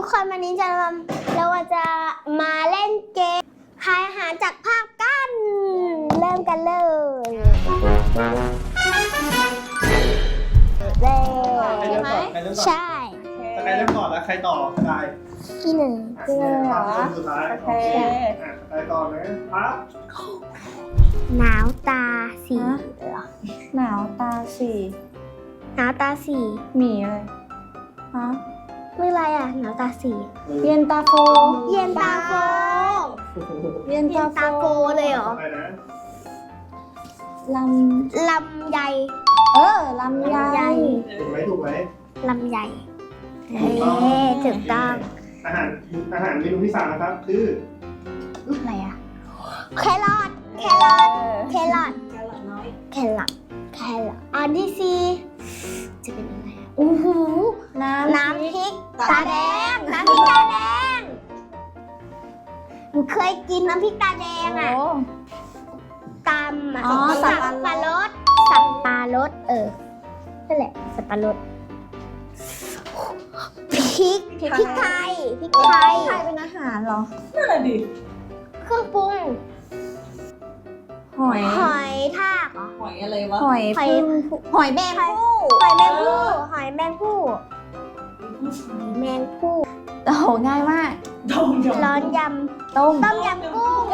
คนวันนี้เราจะมาเล่นเกมทายอาหารจากภาพกันเริ่มกันเลยใช่ไหมใช่ใครเริ่มก่อนแล้วใครต่อใครที่หนึ่งเหรอสุดท้ายโอเคใครต่อนะครับหนาวตาสีเหรอหนาวตาสีหนาวตาสีหมีอะไรฮะไม่ไรอ่ะหนาวตาสีเย็นตาโฟเย็นตาโฟเย็นตาโฟเลยเหรอลำไยลำไยถูกไหมลำไยถูกต้องอาหารเมนูที่3นะครับคืออะไรอ่ะแครอทน้อยแครอทอันที่สี่จะเป็นอะไรอ่ะโอ้โหน้ำพริกตาแดงหนูเคยกินน้ำพริกตาแดงอ่ะตำสับปะรดนั่นแหละสับปะรดพริกไทยเป็นอาหารเหรอนั่นแหละดิเครื่องปรุงหอยทากเหรอหอยอะไรวะหอยแมงผู้โอ้โหง่ายมากร้อนยำต้มยำกุ้ง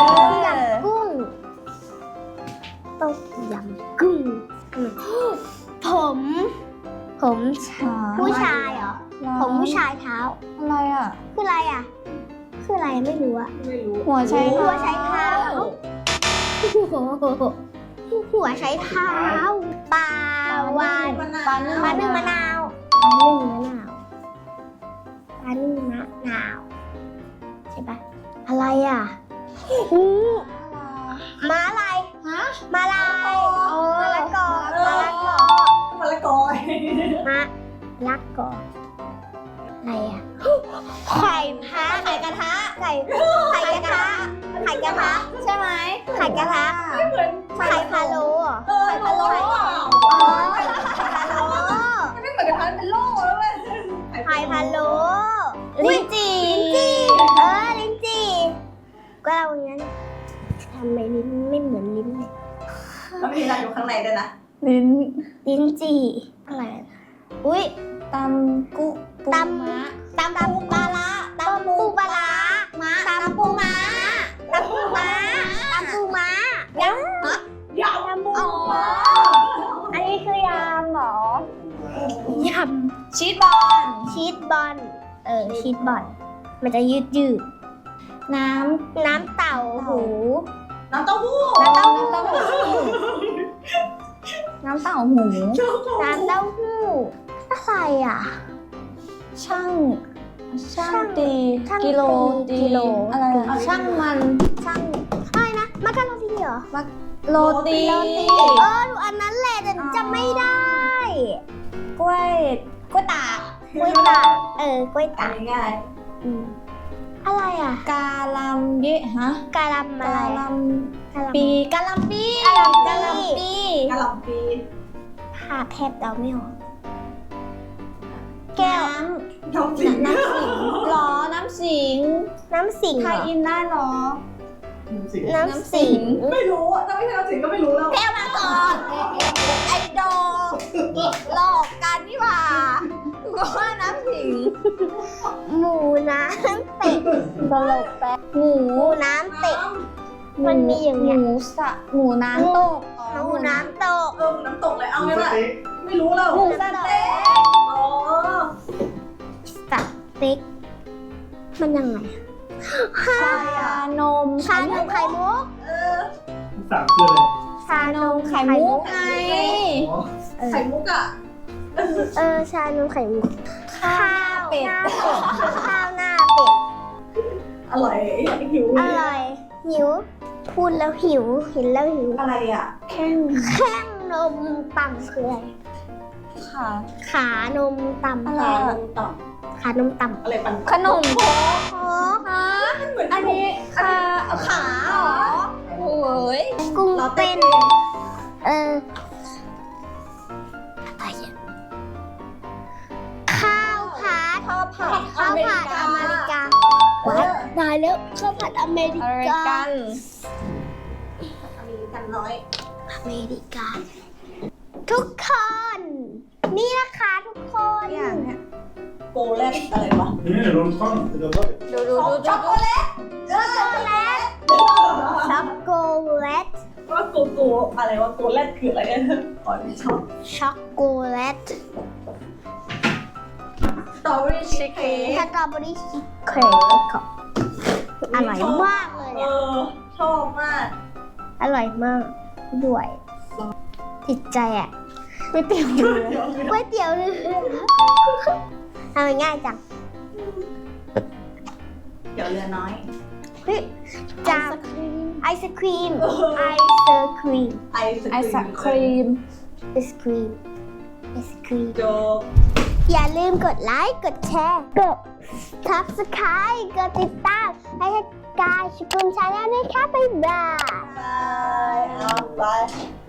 ผมผู้ชายเหรอผมผู้ชายเท้าอะไรอ่ะคืออะไรไม่รู้อะหัวใช้เท้าหัวใช้เท้าปลาวานปลานึ่งมะนาวใช่ปะอะไรอ่ะม้าลายมะละกออะไรอ่ะไข่กระทะใช่ไหมไข่กระทะไข่พะโล้ไม่เหมือนกระทะเป็นโล่แล้วเว้ยไข่พะโล้ลิ้นจี่ก็เราอย่างนั้นทำไมลิ้นไม่เหมือนลิ้นเลยมันมีอะไรอยู่ข้างในด้วยนะลิ้นจี่อะไรอุ้ยตำปูปลาม้าตำปูปลาม้าอันนี้คือยำเหรอยำชีสบอลชีสบอลมันจะยืดน้ำเต่าหูน้ำเต้าหู้อะไรอ่ะช่างตีกิโลอะไรช่างอะไรนะมักกะโรนีเหรอโรตีดูอันนั้นแหละแต่จำไม่ได้กล้วยตากกล้วยตากง่ายอะไรอ่ะกาลัมเยะฮะกาลัมอะไรกาลัมปีผ่าแทบเดาไม่ออกแก้วน้ำสิงหรอน้ำสิงไทยอินได้หรอน้ำสิงไม่รู้ถ้าไม่ใช่น้ำสิงก็ไม่รู้แล้วแก้วมาก่อนไอโดหลอกกันนี่หว่าก็ว่าน้ำสิงหมูน้ำเป็ดตลกแป๊บหมูน้ำเป็ดมันมีอย่างเงี้ยหมูน้ำตกน้ำตกเลยเอาไงล่ะไม่รู้แล้วหมูสเต็กสเต็กมันยังไงชานมไข่มุก 3คืออะไรชานมไข่มุกไงไข่มุกอ่ะชานมไข่มุกข้าวหน้าเป็ดอร่อยหิวพูดแล้วหิวเห็นแล้วหิวอะไรอ่ะแข้งนมต่ำคืออะไรขานมต่ำอะไรขานมต่ำอะไรปันขนมโค้กอันนี้ขาเหรอโอ้ยกุ้งเป็นอะไรอ่ะข้าวผัดข้าวผัดอเมริกาว้ายตายแล้วข้าวผัดอเมริอเมริกากันอเมริกา ทุกคน นี่นะคะทุกคนอย่างเนี้ยโกแลตอะไรวะนี่โดนข้องโดนข้องดูช็อกโกแลตช็อกโกแลตช็อกโกแลตว่าโกอะไรวะโกแลตคืออะไรอ๋อไม่ชอบช็อกโกแลตสตรอเบอรี่ชีสเค้กสตรอเบอรี่ชีสเค้กอร่อยมากเลยเออะอชอบมากอร่อยมากด้วยติดใจอ่ะก๋วยเตี๋ยวเรือก๋วยเตี๋ยวเรือทำง่ายจังเดี๋ยวเรือน้อยเฮ้ยจามไอศครีมไอศครีมไอศไอศครีมไอศครีมไอศครีมโจอย่าลืมกดไลค์กดแชร์กด Subscribe กดติดตามให้กายชุกุมชาแนลด้วยค่ะบ๊ายบายบายเอาไป